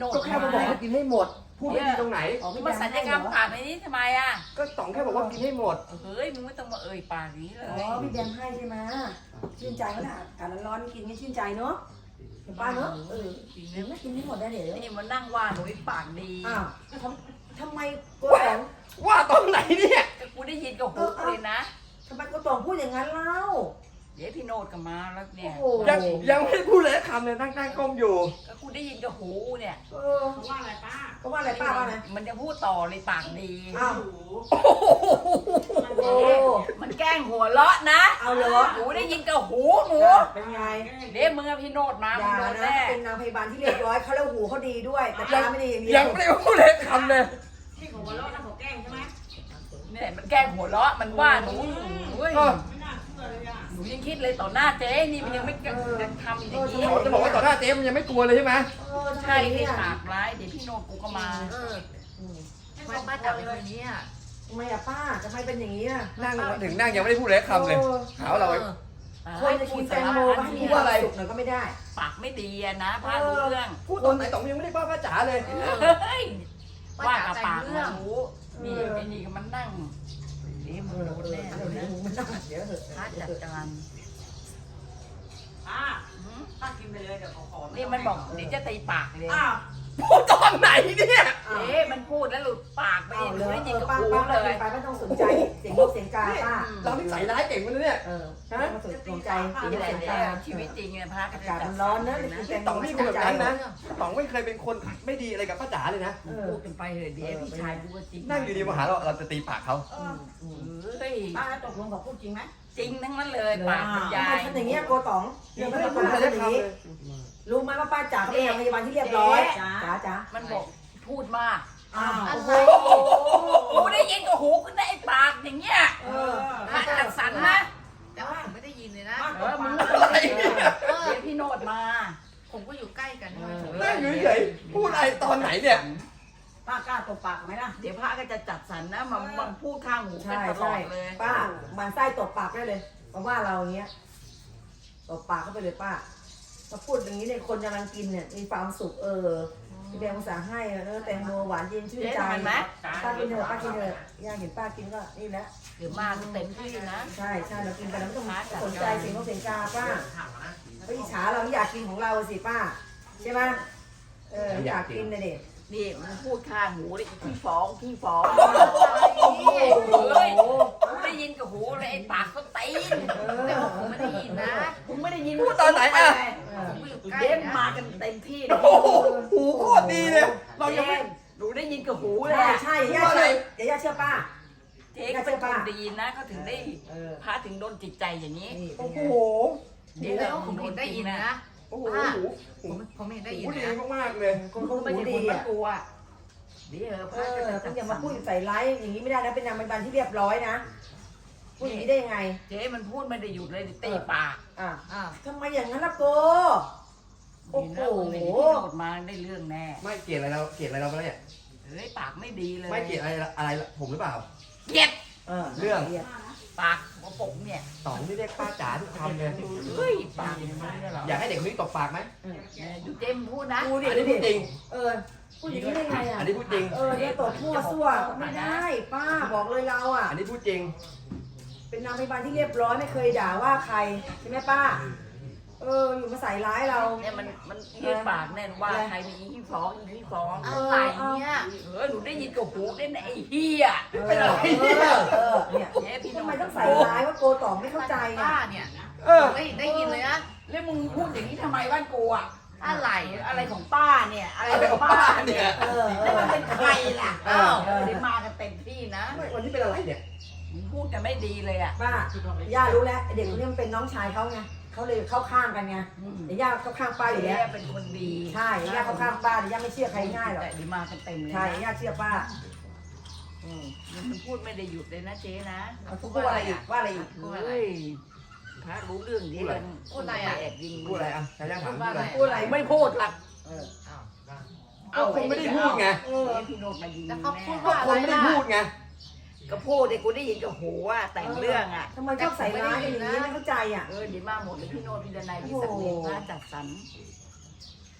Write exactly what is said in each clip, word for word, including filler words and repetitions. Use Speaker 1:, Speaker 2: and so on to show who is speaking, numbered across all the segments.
Speaker 1: โนด
Speaker 2: ก็แค่มาบอกให้กินให้หมดพูดไม่ดีตรงไหน
Speaker 1: มาสัญญกรรมปากในนี้ทำไมอ่ะ
Speaker 2: ก็ต๋องแค่บอกว่ากินให้หมด
Speaker 1: เฮ้ยมึงไม่ต้องมาเอ่ยปากนี้เลย
Speaker 3: อ๋อพี่แบมให้ใช่ไหมชื่นใจก็ได้อากาศร้อนๆกินก็ชื่นใจเนาะเห็นป้าเนาะเออ
Speaker 1: จริง
Speaker 3: กิน
Speaker 1: นะ
Speaker 3: ไม่กินให้หมดได้เดี๋ยว
Speaker 1: นี่มันนั่งว่าหนูปากดี
Speaker 3: อ้าวทำทำไมโกตอง
Speaker 2: ว่าตอนไหนเนี่ย
Speaker 1: ก็กูได้ยินกับหูเลยนะ
Speaker 3: ทำไมโกตองพูดอย่างนั้นเล่า
Speaker 1: เดี๋ยวพี่โนดก็มาแล้วเนี่ย
Speaker 3: โอ้โห
Speaker 2: ยังยังไม่ได้พูดเลยคำเลยตั้งตั้งก้มอยู่
Speaker 1: ก็กูได้ยินกับหูเนี่ย
Speaker 3: เออ
Speaker 4: เขาว่าอะไรป้า
Speaker 3: ก็ว่าอะไรป้าว่าไง
Speaker 1: มันจะพูดต่อเลยปากดี
Speaker 3: อ้าว
Speaker 4: โอ้โห
Speaker 3: โอ้
Speaker 1: มันแกล้งหัวเราะนะ
Speaker 3: เอาเหรอ
Speaker 1: หนูได้ยินกับหูหนู
Speaker 3: เป็นไง
Speaker 1: เดี๋ยวมึงกับพี่โนดมา
Speaker 3: อ
Speaker 1: มึง
Speaker 3: ย่า
Speaker 1: โดน
Speaker 3: นะ
Speaker 1: แน่
Speaker 3: เป็นนางพยาบาลที่เรียบร้อยเขาแล้วหูเขาดีด้วย แต่ตาไม่ดีอย่างเดีว
Speaker 2: ยังไม่ได้พูดเลยคำเลย
Speaker 4: ที่ของวันโลกนั่นเขาแกล้งใช่ไหม
Speaker 1: เนี่ยมันแกล้งหัวเราะมันว่าหนูเฮ้ย
Speaker 2: ก็
Speaker 4: ไม่น่าเชื่อเลยอ่ะ
Speaker 1: หนูยังคิดเลยต่อหน้าเจ๊นี่มันยังไม่ยังทำอย่างนี้
Speaker 2: เขาจะบอกว่าต่อหน้าเจ๊มันยังไม่กลัวเลยใช่ไหม
Speaker 3: เออทำไม
Speaker 1: ใช่ให้
Speaker 3: เนี่ย
Speaker 1: ปากร้ายเดี๋ยวพี่โนดกูก็มา
Speaker 3: เอออืม
Speaker 4: ทำไมป้าจับเป็นแบบนี้อ่ะ
Speaker 3: ทำไมอะป้าทำไมเป็นอย่างนี้อะ
Speaker 2: นั่งถึงนั่งยังไม่ได้พูดเลยคำเลยหาว่าเราไอ้
Speaker 3: คนจะกินแตงโมก็ให้มีความสุขหน่อยก็ไม่ได้
Speaker 1: ปากไม่ดีอะนะพารู้เรื่อง
Speaker 2: พูดตอนไหนต๋องยังไม่ได้ป้าป้าจ๋าเลย
Speaker 1: เฮ้ยว่ากับปากมันรู้นี่ไอ้นี่ก็มันนั่งเดี๋ยวมึงโดนแน่
Speaker 3: เดี๋ยว
Speaker 1: เล
Speaker 3: นี้
Speaker 1: ย
Speaker 3: มึงมันน่าเดี๋ยวเถอะ
Speaker 1: พาจัดการ
Speaker 4: ป้า
Speaker 1: หืม
Speaker 4: ป้ากินไปเลยเดี๋ยวเขาขอ
Speaker 1: นี่มันบอกเดี๋ยวจะตีปากเลย
Speaker 4: อ้าว
Speaker 2: พูดตอนไหนเนี่ย
Speaker 3: อ้าว
Speaker 1: เอ๊ะมันพูดแล้วหลุดปากไป
Speaker 3: อ้าว
Speaker 1: ห
Speaker 3: เล
Speaker 1: นู
Speaker 3: ย
Speaker 1: ได้ยินกับ
Speaker 3: ป้า
Speaker 1: หู
Speaker 3: ป้า
Speaker 1: เล
Speaker 3: เลย ยไปไม่ต้องสนใจเสียงนกเสียงกาป้า
Speaker 2: เราที่ใส่ร้ายเก่งมันนะเนี่ย
Speaker 3: เออไม่ต้องสนใจเสียงน
Speaker 1: นี่
Speaker 3: ก
Speaker 1: แหละ
Speaker 3: เสียง
Speaker 1: เนี่
Speaker 3: กาย
Speaker 1: ชีวิตจริงเนี่ยพระ
Speaker 3: อากาศมันร้อนนะกินแตงโม
Speaker 2: ต๋องไม่เป็นแบบนั้นนะต๋องไม่เคยเป็นคนไม่ดีอะไรกับป้าจ๋าเลยนะ
Speaker 3: เออ
Speaker 1: พูดกันไปเถอะเดี๋ยวพี่ชายกูก็จริง
Speaker 2: นั่งอยู่ดีมาหาเราเราจะตีปากเขา
Speaker 3: อืมอืม
Speaker 1: เฮ้ย
Speaker 4: ป้าแล้วตกลงเขาพูดจริงไหม
Speaker 1: จริงทั้งนั้นเลยปากมันยา
Speaker 3: ทำไม
Speaker 1: ย
Speaker 3: ทำอย่างเงี้ยโกต๋องเรื่อง
Speaker 2: ไม่
Speaker 3: ไม่
Speaker 2: ได้
Speaker 3: ได้
Speaker 2: พูด
Speaker 3: ป้า
Speaker 2: อะไร
Speaker 3: ทำ
Speaker 2: ได้
Speaker 3: อย่าง
Speaker 2: คำ
Speaker 3: นี้
Speaker 2: เลย
Speaker 3: รู้ไหมว่าป้าจ๋าเขาเป็นนางพยาบาลที่เรียบร้อยจ๋าจ๋า
Speaker 1: มันบอกพูดมาก
Speaker 3: อ้าวโอ้โห
Speaker 1: กูได้ยินกับหูขึ้นได้ไอ้ปากอย่างเงี้ย
Speaker 3: เออ
Speaker 1: พระจัดสรรนะ
Speaker 5: แต่ว่าผมไม่ได้ยินเลยนะ
Speaker 4: ป้า
Speaker 1: เอ
Speaker 4: ต
Speaker 1: อก มึ
Speaker 4: ปาง ก
Speaker 2: อะไรเนี่ย
Speaker 1: เดี๋ยวพี่โนดมา
Speaker 5: ผมก็อยู่ใกล้กันใช่ไหม
Speaker 2: นั่งอยู่เฉยๆพูดอะไรตอนไหนเนี่ย
Speaker 4: ป้ากล้าตบปากไหมล่ะ
Speaker 1: เดี๋ยวพระก็จะจัดสรรนะมันมันพูดข้างหูกัน
Speaker 3: ใช่
Speaker 1: ตลอ
Speaker 3: ใช่
Speaker 1: ดเลย
Speaker 3: ป้ามันไส้ตบปากได้เลยมาว่าเราอย่างเงี้ยตบปากเข้าไปเลยป้ามาพูดอย่างนี้เนี่ยคนกำลังกินเนี่ยมีความสุขเออพี่แดงภาษาให้เออแตงโมหวานเย็นชื่น
Speaker 1: เจ๊
Speaker 3: ใจ
Speaker 1: ทำมันไหม
Speaker 3: ป้ากินเถอะป้ากินเถอะย่าเห็นป้ากินก็นี่แหละ
Speaker 1: เดี๋ยวมาก็เต็มที่นะ
Speaker 3: ใช่ใช่เรากินไปแล้วไม่ต้องสนใจเสียงนกเสียงกาป้าก็อิจฉาเราอยากกินของเราสิป้าใช่ไหมเอออยากกินนะเด็ก
Speaker 1: นี่มันพูดข้างหูเลยขี้ฟ้องขี้ฟ้อง
Speaker 3: โอ้โห
Speaker 1: เฮ้ยกูได้ยินกับหูเลยไอ้ปากก็ตีน
Speaker 5: แต่ว่าผมไม่ได้ยินนะ
Speaker 1: มึงไม่ได้ยิน
Speaker 2: พูดตอนไหนอ่ะ
Speaker 5: ผมก็อยู่ใกล้
Speaker 1: เด็ก
Speaker 5: นะ
Speaker 1: มากันเต็มที่
Speaker 2: โอ้โหหูโคตรดีเลย เรายัง
Speaker 1: เจ๊
Speaker 2: ไม่
Speaker 1: หนูได้ยินกับหูเลย
Speaker 3: ใช่
Speaker 1: อะ
Speaker 3: ใช่ย่าเชื่อเดี๋ยวย่าเชื่อป้า
Speaker 1: เจ๊ก็เป็นคนดีนะเขาถึงได้
Speaker 3: เออ
Speaker 1: พระถึงโดนจิตใจอย่างนี้
Speaker 3: นี่เป็
Speaker 2: โอ้
Speaker 3: น
Speaker 2: โห
Speaker 3: ไง
Speaker 5: เดี๋ยวแล้วผมเห็นได้ยินนะ
Speaker 2: โอ้โห
Speaker 5: ป้า
Speaker 2: หู
Speaker 5: ผมผมเห็นได้ยิน
Speaker 2: หูดี
Speaker 5: นะ
Speaker 2: มากๆเลย
Speaker 3: คนเขา
Speaker 1: ไม่
Speaker 3: หู
Speaker 1: ใช่
Speaker 3: ดี
Speaker 1: คนมา
Speaker 3: อ่ะ
Speaker 1: กลัวเดี๋ยวพ
Speaker 3: เอ
Speaker 1: ระจะ
Speaker 3: อ
Speaker 1: จั
Speaker 3: ต้อ
Speaker 1: ด
Speaker 3: งอย่า
Speaker 1: สร
Speaker 3: มาร พูดใส่ร้ายอย่างนี้ไม่ได้นะเป็นนางพยาบาลที่เรียบร้อยนะพูดอย่างนี้ได้ยังไง
Speaker 1: เจ๊มันพูดไม่ได้หยุดเลยตีปาก
Speaker 3: อ่ะ
Speaker 5: อ้าว
Speaker 3: ทำไมอย่างนั้นล่ะโกโอ้
Speaker 1: นี่
Speaker 3: โห
Speaker 1: นะมึงเห็นที่โดดมาได้เรื่องแน่
Speaker 2: ไม่เกลียดอะไรเราเกลียดอะไรเราไปแล้วเนี่ย
Speaker 1: เฮ้ยปากไม่ดีเลย
Speaker 2: ไม่เกลียดอะไรอะไรผมหรือเปล่า
Speaker 1: เกลียด
Speaker 3: เออ
Speaker 2: เรื่อง
Speaker 3: รียก
Speaker 1: ปากหัวผมเนี่ย
Speaker 2: ต๋องที่เรียกป้าจ๋าทุกคำเลย
Speaker 1: เฮ้ยปากอย่างนี้เหรอ
Speaker 2: อยากให้เด็กคนนี้ตบปากไหม
Speaker 1: เนี่ยดูเจมส์พูดนะ
Speaker 3: พูดดิ
Speaker 2: อันนี้พูดจริง
Speaker 3: เออพูดอย่างนี้ได้ไงอ่ะ
Speaker 2: อันนี้พูดจริง
Speaker 3: เออเนี่ยตบมั่วซั่วไม่ได้ป้าบอกเลยเราอ่ะ
Speaker 2: อันนี้พูดจริง
Speaker 3: เป็นนางพยาบาลที่เรียบร้อยไม่เคยด่าว่าใครใช่ไหมป้า เอออยู่มาใส่ร้ายเรา
Speaker 1: เนี่ยมันมันยืดปากแน่นว่าใครมีอีขี้ฟ้องอีขี้ฟ้อง
Speaker 5: อะไรเนี่ย
Speaker 1: เออหนูได้ยินกับหูได้นะไอ้เฮีย
Speaker 3: เออเออเออเนี่ย
Speaker 1: เจ๊พี่
Speaker 3: ทำ
Speaker 1: ทำ
Speaker 3: ไม
Speaker 1: ไม
Speaker 3: ต้
Speaker 1: ต้
Speaker 3: อ
Speaker 1: อง ง
Speaker 3: ใส่
Speaker 1: ใส่
Speaker 3: ร้ายว่าโกต๋องไม่เข้าใจ
Speaker 5: ป้า
Speaker 3: อ่ะ
Speaker 5: เนี่ย
Speaker 2: เออ
Speaker 5: ผมไม่ได้ยินเลยนะ
Speaker 1: แล้วมึงพูดอย่างนี้ทำไมบ้านกูอะ
Speaker 5: อะไร
Speaker 1: อะไรของป้าเนี่ย อะไรของป้าเนี่ย
Speaker 3: เออเอ
Speaker 1: แล้ว
Speaker 3: อ
Speaker 1: มันเป็นใครล่ะ
Speaker 2: เออ
Speaker 1: อ้าวเดี๋ยวมากันเต็มที่นะ
Speaker 2: ไม่วันนี้เป็นอะไรเนี่ย
Speaker 1: มึงพูดกันไม่ดีเลยอะ
Speaker 3: ป้าย่ารู้แล้วไอ้เด็กคนนี้มันเป็นน้องชายเขาไงเขาเลยเข้าข้างกันไง
Speaker 1: อืม
Speaker 3: เดี๋ยวย่าเข้าข้างป้าอยู่
Speaker 1: เจ๊
Speaker 3: แล้ว
Speaker 1: เป็นคนดี
Speaker 3: ใช่เดี๋ยวย่าเข้าข้างป้าเดี๋ยวย่าไม่เชื่อใครง่ายหรอก
Speaker 1: แต่เดี๋ยวมากันเต็มเลย
Speaker 3: ใช่
Speaker 1: นะ
Speaker 3: ย่าเชื่อป้าอืม
Speaker 1: มันพูดไม่ได้หยุดเลยนะเจ๊นะ
Speaker 3: เขาพูดว่าอะไรอีกว่าอะไรอีก
Speaker 1: เฮ้ยพระรู้เรื่องดีเลย
Speaker 5: พูดอะไรอะ
Speaker 1: แอบยิง
Speaker 2: พูดอะไรอ่ะชายาถามพูดอะไร
Speaker 3: พูดอะไร
Speaker 1: ไม่พูดหรอก
Speaker 3: เออ
Speaker 2: ก็คงไม่ได้พูดไง
Speaker 3: เออ
Speaker 1: เจ๊พี่โนดมายิง
Speaker 5: แล้วเขาพูด
Speaker 2: ก็
Speaker 5: ว่า
Speaker 2: ค
Speaker 5: อะไร
Speaker 2: นไม่ได้
Speaker 5: ล่ะ
Speaker 2: พูดไง
Speaker 1: ก็พูดเด็กกูได้ยินกับหูว่าแต่งเรื่องอะ
Speaker 3: ทำไมชอบใส่ร้ายกันอย่างนี้ไม่เข้าใจอ่ะ
Speaker 1: เออเดี๋ยวมาหมดเลยพี่โนดพี่ดนัยพี่สักดิ์พระจัดสรร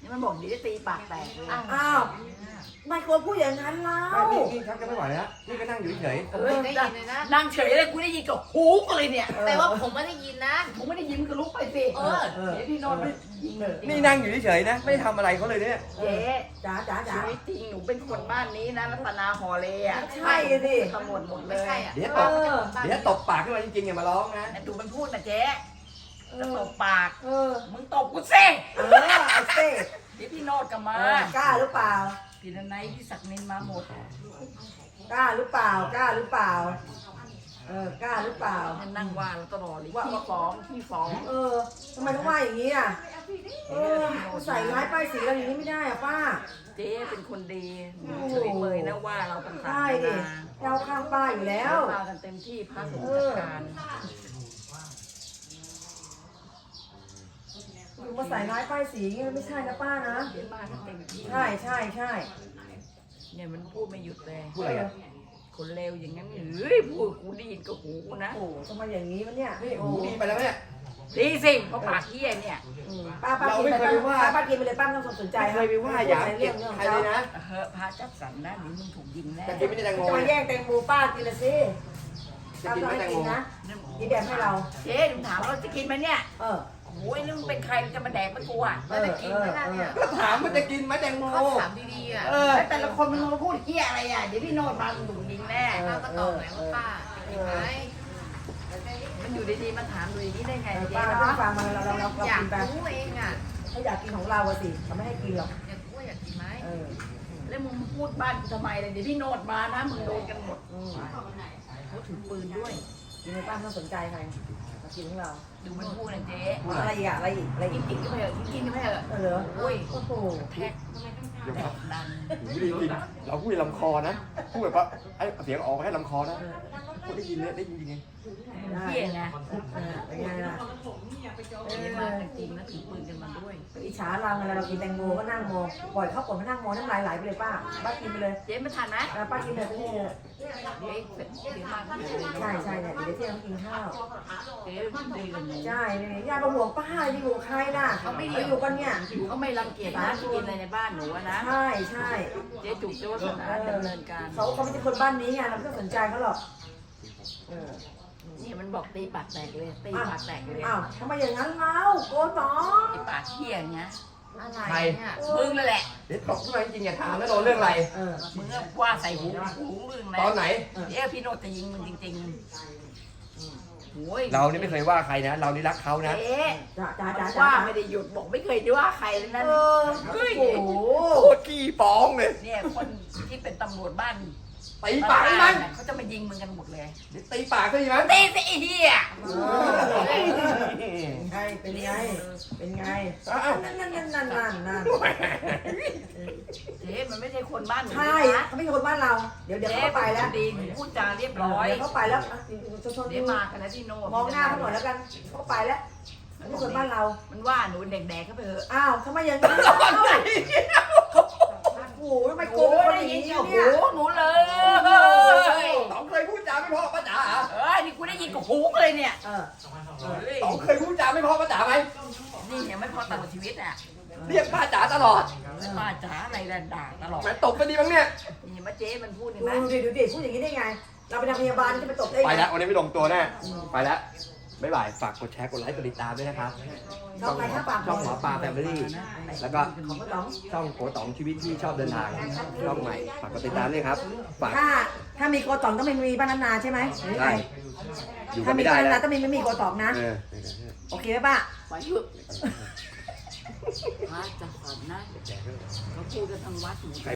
Speaker 1: นี่มันบอกเดี๋ยวจะตีปากแตกเลย
Speaker 3: อ้าวไม่ควรพูดอย่างนั้นเล่า
Speaker 2: ไม่นี่นี่ชักจะไม่ไหวแล้วนี่ก็นั่งอยู่เฉย
Speaker 5: ผมไม่ได้ยินเลยนะ
Speaker 1: นั่งเฉยเลยกูได้ยินกับหูกูเลยเนี่ย
Speaker 5: แต่ว่าผมไม่ได้ยินนะ
Speaker 1: ผมไม่ได้ยินก็ลุกไปสิ
Speaker 5: เออ
Speaker 3: เออ
Speaker 1: เดี๋ยวพี่โนนท์ไม่ยิงเลย
Speaker 2: ๆนี่นั่งอยู่เฉยๆนะไม่ได้ทำอะไรเขาเลยเนี่ย
Speaker 1: เจ๊
Speaker 3: จ๋าจ๋าจ๋า
Speaker 1: ชีวิตจริงหนูเป็นคนบ้านนี้นะรัตนาฮอลเลย์อ่ะ
Speaker 3: ใช่ดิ
Speaker 1: ตำรวจหมดเล
Speaker 5: ไม่
Speaker 1: ย
Speaker 5: ใช่อ่ะ
Speaker 2: เดี๋ยว
Speaker 3: เอ
Speaker 2: ตบ
Speaker 3: อ
Speaker 2: เดี๋ยวตบปากขึ้นมาจริงๆอย่ามาร้องนะ
Speaker 1: แต่ดูมันพูดนะเจ๊
Speaker 3: เอ
Speaker 1: จะ
Speaker 3: อ
Speaker 1: ตบปาก
Speaker 3: เออ
Speaker 1: มึงตบกูสิ
Speaker 3: เออเอาเต้
Speaker 1: เดี๋ยวพี่โนดกลับมา
Speaker 3: เออกล้าหรือเปล่า
Speaker 1: พี่นันไนท์พี่ศักดิ์นินมาหมด
Speaker 3: กล้าหรือเปล่ากล้าหรือเปล่าเออกล้าหรือเปล่า
Speaker 1: ให้นั่งว่าเราตลอดเลยขี้ฟ้องขี้ฟ้อง
Speaker 3: เออทำไมต้องว่าอย่างนี้อ่ะเออใส่ร้ายป้ายสีเราอย่างนี้ไม่ได้อ่ะป้า
Speaker 1: เจ๊เป็นคนดีหนูเฉยเมยนะว่าเราต่างๆ
Speaker 3: ใช่
Speaker 1: นา
Speaker 3: ดิ
Speaker 1: นา
Speaker 3: เราข้างป้าอยู่แล้ว
Speaker 1: มากันเต็มที่พระสงฆ์จัดการ
Speaker 3: อยู่มาใส่ร้ายป้ายสีอย่างนี้มันไม่ใช่นะป้านะ
Speaker 1: เดี๋ยวมากันเต็มที่
Speaker 3: ใช่ใช่ใช่
Speaker 1: เนี่ยมันพูดไม่หยุดเลย
Speaker 2: พูดอะไรกัน
Speaker 1: คนเลวอย่างนั้นเฮ้ยพูดกูได้ยินกับหูกูนะ
Speaker 3: โอ้โหทำไมอย่างนี้วะเนี่ย
Speaker 2: นี่หูดีไปแล้วเนี่ย
Speaker 1: ดีสิเพราะปากเหี้ยเนี่ย
Speaker 3: อืมป้าป้า
Speaker 2: เรา
Speaker 3: กิน
Speaker 2: ไม่
Speaker 3: ไป
Speaker 2: เคยไปว่า
Speaker 3: ป้าป้ากินไปเลยป้าไม่ต้องสนใจ
Speaker 2: ไม่เคยไปว่าหยามเกียรติใครเลยนะ
Speaker 1: เฮ้ยพระจัดสรรนะเดี๋ยวมึงถูกยิงแน่
Speaker 2: แต่กินไม่ได้แตงโม
Speaker 3: จะมา
Speaker 2: เนี่ย
Speaker 3: แย่งแตงโมป้ากินละสิ
Speaker 2: จะ
Speaker 3: ป้า
Speaker 2: กิน
Speaker 3: ก็
Speaker 2: ไม่
Speaker 3: ให้
Speaker 2: แตง
Speaker 3: กิ
Speaker 2: โม
Speaker 3: นนะกินแบบให้เรา
Speaker 1: เจ๊หนูถามเราจะกินไหมเนี่ย
Speaker 3: เออ
Speaker 1: โอ้ยนี่มึงเป็นใครจะมาแดกมันกูอ่ะ
Speaker 3: เออเออเออ
Speaker 2: ก็ถามว่าจะกินไหมแตงโม
Speaker 5: เขาถามดีๆอ่ะ
Speaker 2: เออ
Speaker 1: แล้วแต่ละคนมันมาพูดเหี้ยอะไรอ่ะเดี๋ยวพี่โนดมามึงถูกยิงแน่
Speaker 5: ป้าก็ตอบหน่อยว่าป้าจริงไหม
Speaker 1: มันอยู่ดีๆมันถามดูอย่างนี้ได้ไง
Speaker 3: เออ
Speaker 1: เจ๊
Speaker 3: ป้าไม่ต้อง
Speaker 1: เนาะ
Speaker 3: ฟังมันเราเราเราเรา
Speaker 5: อยาก
Speaker 3: กินไป
Speaker 5: รู้เองอ่ะ
Speaker 3: ถ้าอยากกินของเราอะสิเขาไม่ให้กินหรอก
Speaker 5: อยากรู้ว่าอยากกินไหม
Speaker 3: เออ
Speaker 1: แล้วมึงพูดบ้านกูทำไมเลยเดี๋ยวพี่โนดมานะมึงโดนกันหมด
Speaker 3: อืม
Speaker 1: เขาถือปืนด้วย
Speaker 3: กินในป้าไม่ต้องสนใจใครมากินของเรา
Speaker 1: ดูมันพูดนะเจ๊
Speaker 3: อะไรอีกอะอะไรอีกอะไร
Speaker 1: กิ
Speaker 3: อี
Speaker 1: น
Speaker 3: ก
Speaker 1: กินก็ไปเถอะกินกินก็ไปเถอะ
Speaker 3: เออเหรอ
Speaker 1: โอ้ย
Speaker 3: โอ้โห
Speaker 1: แท็กแท็กดัน
Speaker 2: ไม่ได้ยินเราพูดในลำคอนะพูดแบบว่าไอ้เสียงออกมาให้ลำคอนะพูดได้ยินเลยได้ยินจริง
Speaker 1: เหี้ยไง
Speaker 3: เออเป็นไงล่ะ
Speaker 1: เจ๊มากันจริงนะถือปืนกันมาด้วย
Speaker 3: อิจฉาเราเวลาเรากินแตงโมก็นั่งมองปล่อยเขาปล่อยเขานั่งมองน้ำลายไหลไปเลยป้าป้ากินไปเลย
Speaker 1: เจ๊มาทันไหม
Speaker 3: เออป้ากินเลยไปเลย
Speaker 1: เดี๋ยวเสร็จเดี๋ยวมากันเลย
Speaker 3: ใช่ใช่เนี่ยเดี๋ยวเที่ยงกินข้าว
Speaker 1: เจ๊ดีกันหนู
Speaker 3: ใช่เนี่ยญาติมาห่วงป้าจะอยู่กับใครล่ะเขาไม่อยู่กันเนี่ย
Speaker 1: เขาไม่รังเกียจนะกินอะไรในบ้านหนูอะนะ
Speaker 3: ใช่ใช่
Speaker 1: เจ๊จุกเจ๊วัฒนาดำเนินการ
Speaker 3: เขาเขาไม่ใช่คนบ้านนี้ไงเราไม่ต้องสนใจเขาหรอกเออ
Speaker 1: นี่มันบอกตีปากแตกเลยตีปากแตกเลย
Speaker 3: อ้าวทำไมอย่างนั้นเล่าโกตอง
Speaker 1: ไอ้ปากเหี้ยเนี้ย
Speaker 5: อะไรเนี่ย
Speaker 1: มึงนั่นแหละ
Speaker 2: ๆเดี๋ยวตกขึ้นมาจริงๆอย่าถามนะโดนเรื่องอะไร
Speaker 3: เออ
Speaker 1: มึงก็ว่าใส่หูหูมึงนะ
Speaker 2: ตอนไหน
Speaker 1: เดี๋ยวพี่โนตจะยิงมึงจริงๆโอ้ย
Speaker 2: เรานี่ไม่เคยว่าใครนะ เรานี่รักเขานะ
Speaker 1: เจ๊
Speaker 3: จ้าจ้าจ้า
Speaker 1: ว่า
Speaker 3: จ้า
Speaker 1: ไม่ได้หยุดบอกไม่เคยว่าใครเลยนะ
Speaker 3: เออโอ้โห
Speaker 2: โคตรขี้ฟ้องเลย
Speaker 1: เนี่ยคนที่เป็นตำรวจบ้าน
Speaker 2: ตีปากให้มัน
Speaker 1: เขาจะมายิงมึงกันหมดเลย
Speaker 2: เดี๋ยวตีปากก็ดีมั้ย
Speaker 1: ตีสิไอ้เหี้ย
Speaker 3: เป็นไงเป็นไงเป็นไง
Speaker 2: อ้าว
Speaker 3: นั่นนั่นนั่นนั่นนั่นนั่น
Speaker 1: เจ๊มันไม่ใช่คนบ้านหนู
Speaker 3: ใช่
Speaker 1: นะ
Speaker 3: เขาไม่ใช่คนบ้านเรา เดี๋ยวเดี๋ยว
Speaker 1: เจ๊
Speaker 3: เขาไปแล้ว
Speaker 1: ดีหนูพูดจาเรียบร้อย
Speaker 3: เดี๋ยวเขาไปแล้วชนชน
Speaker 1: เดี๋ยวมากันนะที่โน่
Speaker 3: มองหน้าเขาหน่อยแล้วกันเขาไปแล้วไม่ใช่คนบ้านเรา
Speaker 1: มันว่าหนูเด็กๆเข้าไปเถอะ
Speaker 3: อ้าวทำไมอย่างนี้เล่าโอ้โหทำไมโก
Speaker 1: โอ้
Speaker 3: งคน
Speaker 1: ได้
Speaker 3: อย่าง
Speaker 1: ยิน
Speaker 3: นี้
Speaker 1: กับหู
Speaker 3: เนี่ย
Speaker 1: หนูเลย
Speaker 2: ต๋องเคยพูดจาไม่เพอป้าจ๋าเหรอ
Speaker 1: เออนี่กูได้ยินกับหูเลยเนี่ย
Speaker 3: เออ
Speaker 2: ต๋องเคยพูดจาไม่เพอป้าจ๋าไหม
Speaker 1: นี่ยังไม่พอตลอดชีวิตอ่ะ
Speaker 2: เรียกป้าจ๋าตลอด
Speaker 1: ป้าจ๋าอะไรด่าตลอด
Speaker 2: แหมตบไปดีบ้างเนี่ย
Speaker 1: นี่มาเจ๊มันพูดเห็น
Speaker 3: ดู
Speaker 1: ไหม
Speaker 3: ดิดูดิพูดอย่างนี้ได้ไง เราเป็นนางพยาบาลจะไปตบได้
Speaker 2: ไป
Speaker 3: ไง
Speaker 2: แล้ววันนี้ไม่ลงตัวแน่ ไปแล้วบ๊ายบาย ฝากกดแชร์ กดไลค์ กดติดตามด้วยนะครับ
Speaker 3: ช่องไหนครับปาก
Speaker 2: ช่องหมอปลาแฟมิลี่ แล้วก็
Speaker 3: ของกระต๋อง
Speaker 2: ช่องโกต๋องชีวิตที่ชอบเดินทาง ช่องใหม่ ฝากกดติดตามด้วยครับ ฝาก
Speaker 3: ถ้าถ้ามีโกต๋องต้องไม่มีป้านานาใช่ไหมหรือไง
Speaker 2: ได้ อยู่กั
Speaker 3: ถ้าน มี
Speaker 2: ไม่ได้
Speaker 3: ป้านา
Speaker 2: แล้
Speaker 3: นาว ต้องมีไม่มีโกต๋องนะ
Speaker 2: เออ
Speaker 3: โอเคไหมป้า
Speaker 1: ไปเถอะพระจะสอนนะเขาพูดกันทางวัดหนู